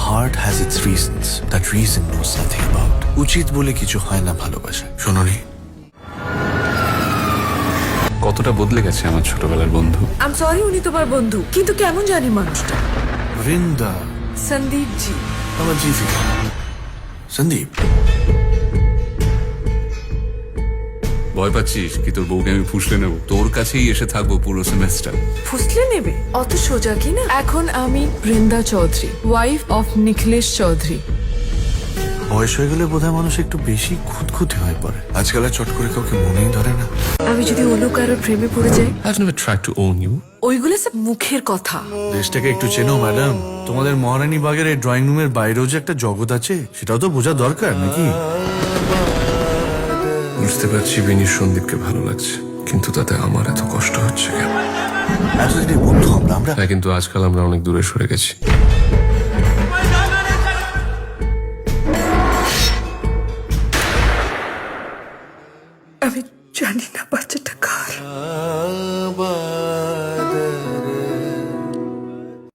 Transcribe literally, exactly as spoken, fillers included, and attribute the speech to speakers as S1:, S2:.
S1: heart has its reasons that reason knows nothing about. উচিত বলে কিছু হয় না ভালোবাসা। শোনোনি,
S2: কতটা বদলে গেছে আমার ছোটবেলার বন্ধু।
S3: আম সরি উনি তোমার বন্ধু, কিন্তু কেমন জানি মানুষটা।
S1: বৃন্দা
S3: সন্দীপ জি।
S1: আমার জি থেকে সন্দীপ।
S2: ভয় পাচ্ছিস কি তোর বউকে আমি ফুসলে নেব? তোর কাছেই এসে থাকবো পুরো সেমেস্টার।
S3: ফুসলে নেবে? অত সোজা কি না। এখন আমি বৃন্দা চৌধুরী, ওয়াইফ অফ নিখিলেশ চৌধুরী।
S1: বয়স হয়ে গেলে বোধহয় মানুষ একটু বেশি খুঁতখুঁতে হয়ে পড়ে। আজকাল আর চট করে কাউকে মনেই ধরে না।
S3: আমি যদি অন্য কারোর প্রেমে পড়ে যাই?
S2: I've never tried to own you.
S3: ওইগুলো সব মুখের কথা।
S1: দেশটাকে একটু চেনো ম্যাডাম। তোমাদের মহারানী বাগের এই ড্রয়িং রুমের বাইরেও যে একটা জগৎ আছে, সেটাও তো বোঝা দরকার নাকি?
S2: বুঝতে পারছি বিনির সন্দীপকে ভালো লাগছে, কিন্তু তাতে আমার এত কষ্ট হচ্ছে কেন?
S1: আসলে বন্ধু আমরা আমরা
S2: হ্যাঁ, কিন্তু আজকাল আমরা অনেক দূরে সরে গেছি।
S3: আমি জানি না বাচ্চাটা কার।